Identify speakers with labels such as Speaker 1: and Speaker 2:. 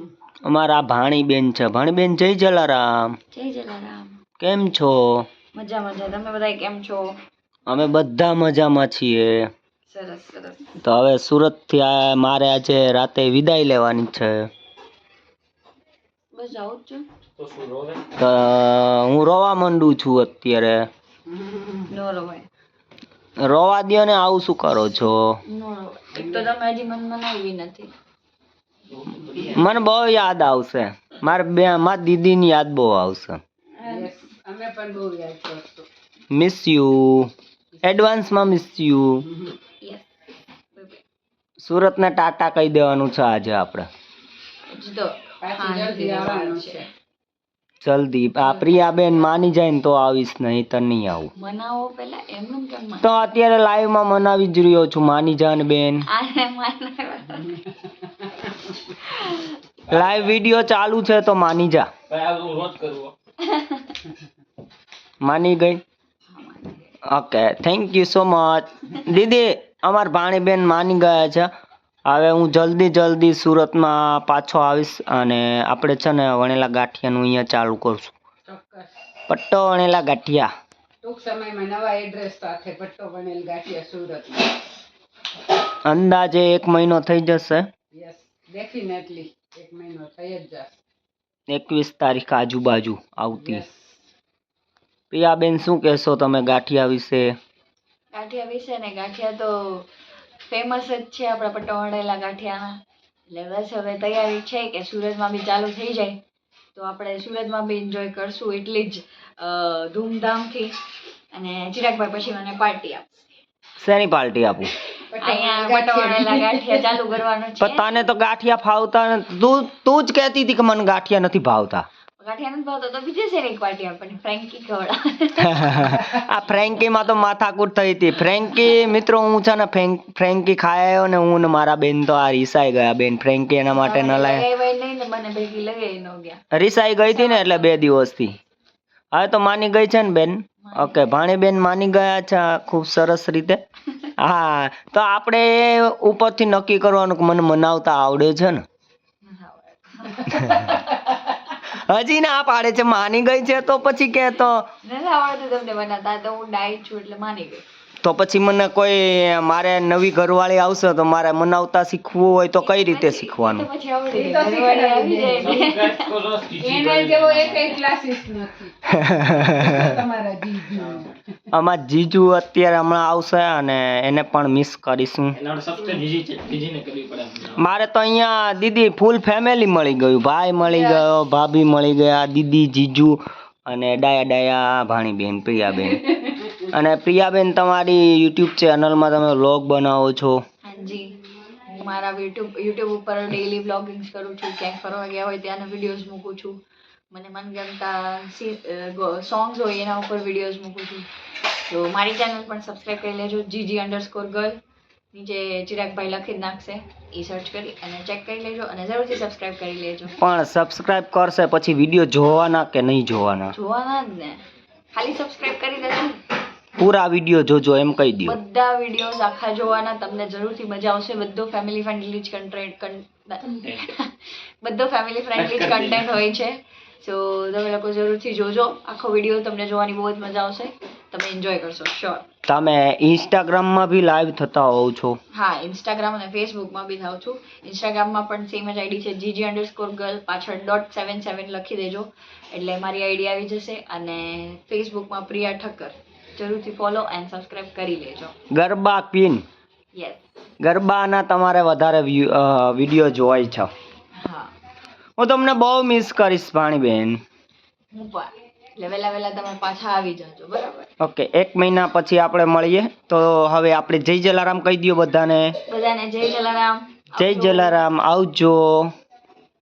Speaker 1: અમારા ભાણીબેન છે. ભાણીબેન જય જલારામ.
Speaker 2: જય જલારામ.
Speaker 1: કેમ છો?
Speaker 2: મજા મજા. તમે બધા કેમ છો?
Speaker 1: અમે બધા મજામાં છીએ.
Speaker 2: સરસ સરસ.
Speaker 1: તો હવે સુરત થી મારે આજે રાતે વિદાય લેવાની છે.
Speaker 2: બસ આવું જ છું.
Speaker 1: તો હું રોવા માંડું છું અત્યારે.
Speaker 2: નો રવાય.
Speaker 1: રોવા દ્યો ને, આવું શું કરો છો?
Speaker 2: નો રવાય. એક તો તમે હજી મન મનાવી નથી.
Speaker 1: મને બહુ યાદ આવશે. મારી દીદીની યાદ બહુ આવશે.
Speaker 2: અમે પણ બહુ યાદ કરશું.
Speaker 1: Miss you. એડવાન્સમાં મિસ યુ. સુરતને ટાટા કહી દેવાનું છે આજે આપણે. જલ્દી. આ પ્રિયાબેન માની જાય ને તો આવીશ, નહીં તો નહીં આવું.
Speaker 2: મનાવો પેલા, એમનું કેમ?
Speaker 1: તો અત્યારે લાઈવ માં મનાવી જ રહ્યો છું. માની જા ને બેન. લાઈવ વિડિયો ચાલુ છે તો માની જા. માની ગઈ? Okay, thank you so much. દીદી, અમાર ભાણીબેન માની ગયા છે. હવે હું જલ્દી સુરતમાં પાછો આવીશ અને આપણે છે ને વણેલા ગાંઠિયાનું અહીંયા ચાલુ કરશું. પટ્ટો વણેલા ગાંઠિયા.
Speaker 2: ટૂંક સમયમાં નવા એડ્રેસ સાથે પટ્ટો વણેલ ગાંઠિયા સુરત.
Speaker 1: અંદાજે 1 મહિનો થઈ જશે.
Speaker 2: યસ, ડેફિનેટલી 1 મહિનો થઈ જ જશે.
Speaker 1: 21 તારીખ આજુબાજુ આવતી. પ્રિયાબેન શું કહેશો તમે ગાંઠિયા વિશે?
Speaker 2: ગાંઠિયા વિશે ને, ગાંઠિયા તો ફેમસ જ છે આપણા પટ્ટો વણેલા ગાંઠિયાના. એટલે બસ હવે તૈયારી છે કે સુરતમાં બી ચાલુ થઈ જાય તો આપણે સુરતમાં બી એન્જોય કરશું એટલી જ ધૂમધામથી. અને ચિરાગભાઈ પછી મને પાર્ટી આપશે.
Speaker 1: શેની પાર્ટી આપું?
Speaker 2: અહીંયા પટ્ટો વણેલા ગાંઠિયા ચાલુ કરવાનું છે.
Speaker 1: પણ તને તો ગાંઠિયા ફાવતા નથી. તું જ કહેતી હતી કે મને ગાંઠિયા નથી ભાવતા.
Speaker 2: ગાંઠિયા નથી ભાવતા તો બીજે શેની પાર્ટી આપણને ફ્રેન્કી ખવડા.
Speaker 1: આ ફ્રેન્કીમાં તો માથાકૂટ થઈ હતી. ફ્રેન્કી મિત્રો, હું છે ને ફ્રેન્કી ખાઈ આવ્યો ને હું ને મારા બેન તો આ રીસાઈ ગયા. બેન ફ્રેન્કી એના માટે ન લાય.
Speaker 2: મને ભેગી લગાઈ ન ગયા.
Speaker 1: રીસાઈ ગઈ હતી ને એટલે 2 દિવસથી. હવે તો માની ગઈ છે ને બેન. ઓકે, ભાણીબેન માની ગયા છે ખૂબ સરસ રીતે. હા, તો આપણે ઉપરથી નક્કી કરવાનું કે મને મનાવતા આવડે છે ને. હજી ના પાડે છે. માની ગઈ છે તો પછી કે તો
Speaker 2: નથી આવડતું તમને બનાવતા. તો હું ડાયટ છું એટલે માની ગઈ.
Speaker 1: તો પછી મને કોઈ મારે નવી ઘરવાળી આવશે તો મારે મનાવતા શીખવું હોય તો કઈ રીતે શીખવાનું?
Speaker 2: પછી આવડી જાય. ઘરવાળી આવી જાય એને જેવો એક ક્લાસીસ નથી. તમારા જીજુ.
Speaker 1: અમાર જીજુ અત્યારે હમણાં આવશે અને એને પણ મિસ કરીશું. મારે તો અહીંયા દીદી ફૂલ ફેમિલી મળી ગયું. ભાઈ મળી ગયો, ભાભી મળી ગયા, દીદી, જીજુ અને ડાયા ભાણીબેન પ્રિયાબેન. અને પ્રિયાબેન, તમારી યુટ્યુબ ચેનલમાં તમે વ્લોગ બનાવો છો?
Speaker 2: હાજી, હું મારા યુટ્યુબ ઉપર ડેઈલી વ્લોગિંગ્સ કરું છું. ક્યાંક ફરવા ગયા હોય ત્યાંના વિડીયોઝ મૂકું છું. મને મનગમતા સોંગ્સ હોય એના ઉપર વિડીયોઝ મૂકું છું. તો મારી ચેનલ પણ સબસ્ક્રાઈબ કરી લેજો. GG_girl. નીચે ચિરાગભાઈ લખી જ નાખશે. એ સર્ચ કરી અને ચેક કરી લેજો અને જરૂરથી સબસ્ક્રાઈબ કરી લેજો.
Speaker 1: પણ સબસ્ક્રાઇબ કરશે પછી વિડીયો જોવાના કે નહીં જોવાના?
Speaker 2: જોવાના જ ને. ખાલી સબસ્ક્રાઇબ કરી દેજો.
Speaker 1: પૂરા વિડીયો જોજો એમ કહી દો.
Speaker 2: બધા વિડીયોઝ આખા જોવાના. તમને જરૂરથી મજા આવશે. બધો ફેમિલી ફ્રેન્ડલી જ કન્ટેન્ટ હોય છે. સો તમે લોકો જરૂરથી જોજો આખો વિડીયો. તમને જોવાની બહુ જ મજા આવશે. તમે એન્જોય કરશો શ્યોર.
Speaker 1: તમે ઇન્સ્ટાગ્રામમાં બી લાઈવ થતા હોવ છો?
Speaker 2: હા, ઇન્સ્ટાગ્રામ અને ફેસબુકમાં બી થાવ છું. ઇન્સ્ટાગ્રામમાં પણ સેમ જ આઈડી છે, GG_girl. પાછળ .77 લખી દેજો એટલે મારી આઈડી આવી જશે. અને ફેસબુકમાં પ્રિયા ઠક્કર. જરૂરથી ફોલો એન્ડ સબસ્ક્રાઇબ કરી લેજો.
Speaker 1: ગરબા ક્વીન.
Speaker 2: યસ.
Speaker 1: ગરબાના તમારે વધારે વિડીયો જોવાય છે.
Speaker 2: હા,
Speaker 1: હું તમને બહુ મિસ કરીશ ભાણીબેન.
Speaker 2: હું પણ. એટલે વહેલા તમે પાછા આવી જાજો, બરાબર?
Speaker 1: ઓકે, 1 મહિના પછી આપણે મળીએ. તો હવે આપણે જય જલારામ કહી દો બધાને.
Speaker 2: જય જલારામ.
Speaker 1: જય જલારામ. આવજો.